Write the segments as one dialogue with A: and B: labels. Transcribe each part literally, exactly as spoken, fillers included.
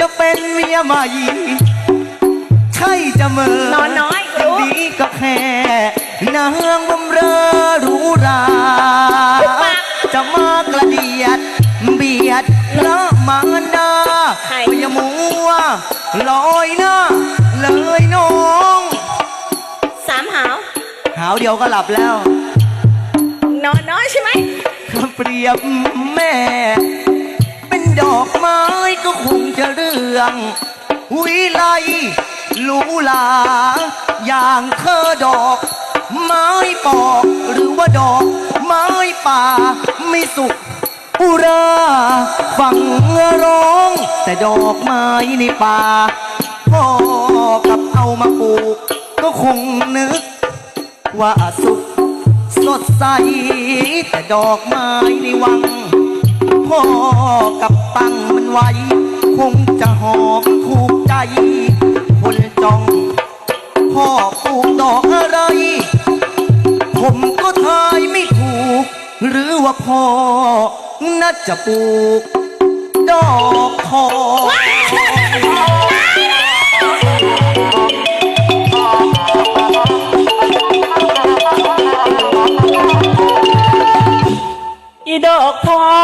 A: จะเป็นเมียใหม่ใช่จะเมื่อน
B: อนน้อยรู้
A: ดีก็แค่นางบำเรอหรูหราจะมากระเดียดเบียดพระมารดาก็อย่ามัวลอยหน้าเลยน้อง
B: สามหาว
A: หาวเดียวก็หลับแล้ว
B: นอนน้อยใช่ไหม
A: เปรียบแม่ เป็นดอกไม้ก็คงจะเรื่องวิไลหรูหราอย่างเธอดอกไม้ปอกหรือว่าดอกไม้ป่าไม่สุกอุราฟังร้องแต่ดอกไม้ในป่าพ่อกับเอามาปลูกก็คงนึกว่าสุขสดใสแต่ดอกไม้ในวังพ่อกับตั้งมันไว้คงจะหอมถูกใจคนจ้องพ่อปลูกดอกอะไรผมก็ทายไม่ถูกหรือว่าพ่อน่าจะปลูกดอกทอง
B: อีดอกทอง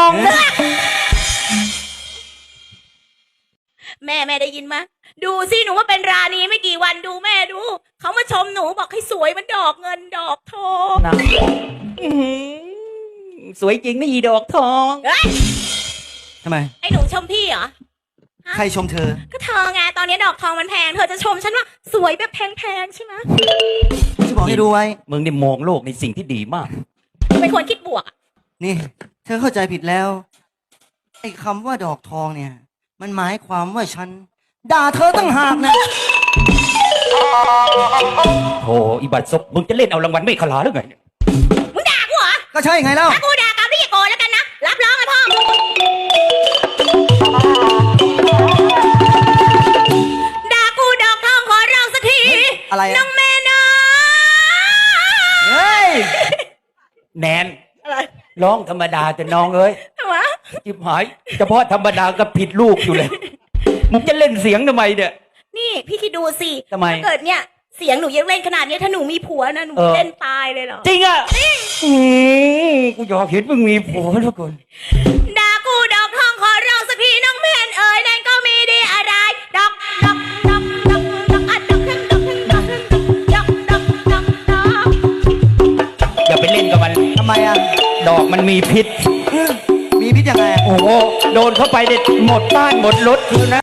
B: แม่แม่ได้ยินไหมดูสิหนูว่าเป็นราณีไม่กี่วันดูแม่ดูเขามาชมหนูบอกให้สวยมันดอกเงินดอกทอง
C: นะสวยจริงนะอีดอกทอง
B: เฮ้ย
A: ทำไม
B: ไอ้หนูชมพี่เหรอ
A: ใครชมเธอ
B: ก็เธอไงตอนนี้ดอกทองมันแพงเธอจะชมฉันว่าสวยแบบแพงๆใช่ไหม
A: จะบอกให้ดูไว้
C: มึงได้มองโลกในสิ่งที่ดีมาก
B: เป็นคนคิดบวกอะ
A: นี่ เธอเข้าใจผิดแล้วไอ้คำว่าดอกทองเนี่ย มันหมายความว่าฉันด่าเธอตั้งหากนะ
C: โธ่อีบัตซบมึงจะเล่นเอารางวัลไม่ขลาหรือไง
B: มึงด่ากูเหรอ
A: ก็ใช่ไงเล่า
B: ถ้ากูด่ากลับนี่อย่าโกรธแล้วกันนะรับรองเลยพ่อด่ากูดอกทองขอร้องสักที
A: อะไรอะ
B: น้องแม่นะ
A: เฮ้ย
C: แนน
B: อะไร
C: ร้องธรรมดาแต่น้องเอ้ย
B: ทำไม
C: จิบหายเฉพาะธรรมดาก็ผิดลูกอยู่เลย มึงจะเล่นเสียงทำไมเนี่ย
B: นี่พี่คิดดูสิ
C: ทำไม
B: ถ้าเกิดเนี่ยเสียงหนูยังเล่นขนาดนี้ถ้าหนูมีผัวนะหนู
C: เออ
B: เล่นตายเลยเหรอ
C: จริงอ่ะอืมกูอยากเห็นมึงมีผัวแล้วก่อน
B: ด่ากูดอกทองขอร้องสักทีน้องแม่นเอ๋ยนั่นก็มีดีอะไรดอกดอกดอกดอกดอกอะดอกดอกดอกดอกดอกดอกดอก
C: อย่าไปเล่นกับมัน
A: ทำไมอ่ะ
C: ดอกมันมีพิษ
A: มีพิษยังไง
C: โอ้โหโดนเข้าไปเด็ดหมดบ้านหมดรถคือนะ